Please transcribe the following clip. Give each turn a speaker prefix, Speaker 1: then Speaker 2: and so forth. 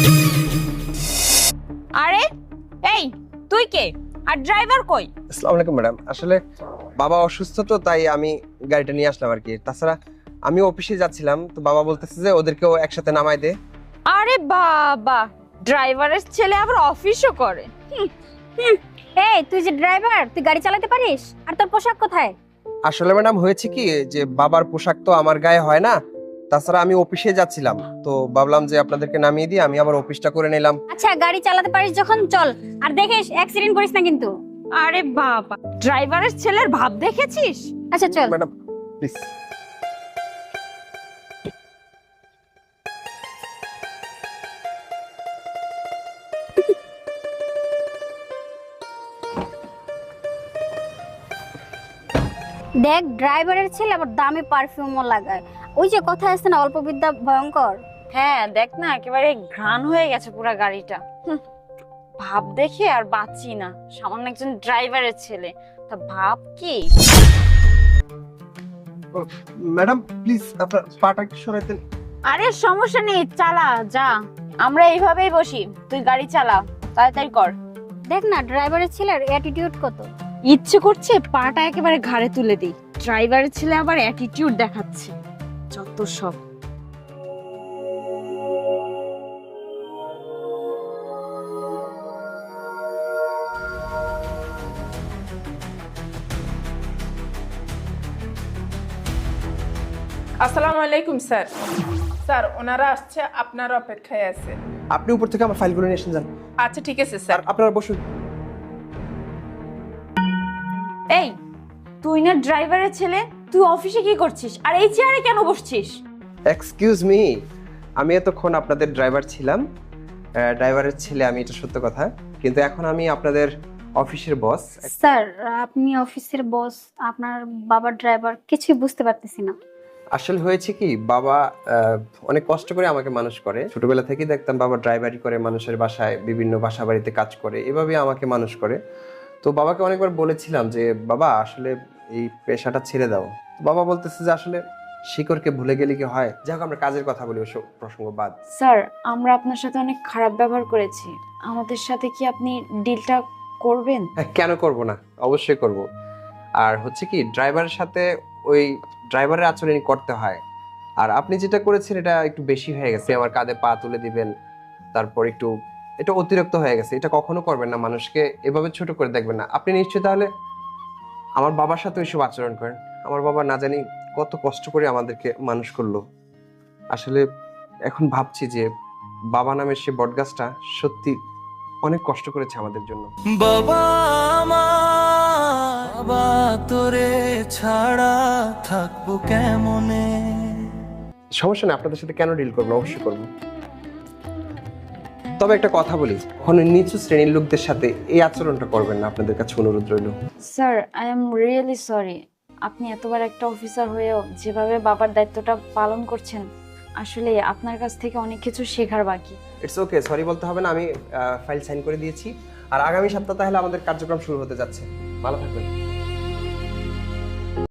Speaker 1: আরে এই তুই কে আর ড্রাইভার কই?
Speaker 2: আসসালামু আলাইকুম ম্যাডাম, আসলে বাবা অসুস্থ তো তাই আমি গাড়িটা নিয়ে আসলাম আর কি। তাছাড়া আমি অফিসে যাচ্ছিলাম তো বাবা বলতেছে যে ওদেরকেও একসাথে নামাই দে।
Speaker 1: আরে বাবা, ড্রাইভারের ছেলে আবার অফিসও করে।
Speaker 3: এই তুই যে ড্রাইভার, তুই গাড়ি চালাতে পারিস? আর তোর পোশাক কোথায়?
Speaker 2: আসলে ম্যাডাম হয়েছে কি যে বাবার পোশাক তো আমার গায়ে হয় না, তাছাড়া আমি অফিসে যাচ্ছিলাম তো ভাবলাম যে আপনাদেরকে নামিয়ে দিই, আমি আবার অফিসটা করে নিলাম।
Speaker 3: আচ্ছা গাড়ি চালাতে পারিস যখন চল, আর দেখিস অ্যাক্সিডেন্ট করিস না কিন্তু।
Speaker 1: আরে বাবা, ড্রাইভারের ছেলের ভাব দেখেছিস?
Speaker 3: আচ্ছা চল।
Speaker 2: Madam please.
Speaker 3: দেখ ড্রাইভারের ছেলে আবার দামি পারফিউমও লাগায়। ওই যে কথা আছে না, অল্প বিদ্যা ভয়ঙ্কর।
Speaker 1: হ্যাঁ দেখ না, একেবারে ঘ্রাণ হয়ে গেছে পুরো গাড়িটা। ভাব দেখে আর বাঁচি না, সামান্য একজন ড্রাইভারের ছেলে, তা ভাব কি?
Speaker 2: ম্যাডাম প্লিজ আপনার পাটা একটু সরাইতেন।
Speaker 1: আরে সমস্যা নেই, চালা যা, আমরা এইভাবেই বসি, তুই গাড়ি চালা, তাড়াতাড়ি কর।
Speaker 3: দেখ না ড্রাইভারের ছেলের অ্যাটিটিউড কত।
Speaker 1: ইচ্ছে করছে পাটা একেবারে ঘাড়ে তুলে দিই, ড্রাইভারের ছেলে আবার অ্যাটিটিউড দেখাচ্ছে, যত সব।
Speaker 4: আসসালামু আলাইকুম স্যার। স্যার ওনারা আসছে, আপনার অপেক্ষায় আছে।
Speaker 2: আপনি উপর থেকে আমার ফাইলগুলো নিয়ে এসে যান।
Speaker 4: আচ্ছা ঠিক আছে
Speaker 2: স্যার
Speaker 4: স্যার।
Speaker 2: আপনারা বসুন।
Speaker 1: এই তুই না ড্রাইভারের ছেলে, তুই অফিসে কি করছিস আর এই চেয়ারে কেন বসছিস?
Speaker 2: এক্সকিউজ মি, আমি এতক্ষণ আপনাদের ড্রাইভার ছিলাম, ড্রাইভারের ছেলে আমি, এটা সত্য কথা, কিন্তু এখন আমি আপনাদের অফিসের বস।
Speaker 3: স্যার আপনি অফিসের বস, আপনার বাবার ড্রাইভার, কিছুই বুঝতে পারতেছি না।
Speaker 2: আসলে হয়েছে কি, বাবা অনেক কষ্ট করে আমাকে মানুষ করে, ছোটবেলা থেকেই দেখতাম বাবা ড্রাইভারি করে, মানুষের বাসায় বিভিন্ন বাসা বাড়িতে কাজ করে, এভাবে আমাকে মানুষ করে। তো বাবাকে অনেকবার বলেছিলাম যে বাবা আসলে এই পেশাটা ছেড়ে দাও, বাবা বলতেছে যে আসলে শিকড়কে ভুলে গেলে কি হয়, যাই হোক আমরা কাজের কথা বলি, ওসব প্রসঙ্গ বাদ।
Speaker 1: স্যার আমরা আপনার সাথে অনেক খারাপ ব্যবহার করেছি, আমাদের সাথে কি আপনি ডিলটা করবেন?
Speaker 2: হ্যাঁ, কেন করব না, অবশ্যই করব। আর হচ্ছে কি, ড্রাইভারের সাথে ওই ড্রাইভারের আচরণই করতে হয়। আর আপনি যেটা করেছেন এটা একটু বেশি হয়ে গেছে, আমার কাঁধে পা তুলে দিবেন, তারপর একটু এটা অতিরিক্ত হয়ে গেছে, এটা কখনো করবেন না, মানুষকে এভাবে ছোট করে দেখবেন না। আপনি নিশ্চয়ই তাহলে আমার বাবার সাথে ওইসব আচরণ করেন। আমার বাবা না জানি কত কষ্ট করে আমাদেরকে মানুষ করলো। আসলে এখন ভাবছি যে বাবা নামের সে বটগাছটা সত্যি অনেক কষ্ট করেছে আমাদের জন্য।
Speaker 5: বাবা আমার, বাবা তোরে ছাড়া থাকবো কেমনে?
Speaker 2: সমস্যা নেই, আপনাদের সাথে কেন ডিল করবো, অবশ্যই করবো। তবে একটা কথা বলি, কখনো নিচু শ্রেণীর লোকদের সাথে এই আচরণটা করবেন না, আপনাদের কাছে অনুরোধ রইল।
Speaker 1: Sir I am really sorry, আপনি এতবার একটা অফিসার হয়েও যেভাবে বাবার দায়িত্বটা পালন করছেন, আসলে আপনার কাছ থেকে অনেক কিছু শেখার বাকি।
Speaker 2: ইটস ওকে, সরি বলতে হবে না, আমি ফাইল সাইন করে দিয়েছি। আর আগামী সপ্তাহ তাহলে আমাদের কার্যক্রম শুরু হতে যাচ্ছে। ভালো থাকবেন।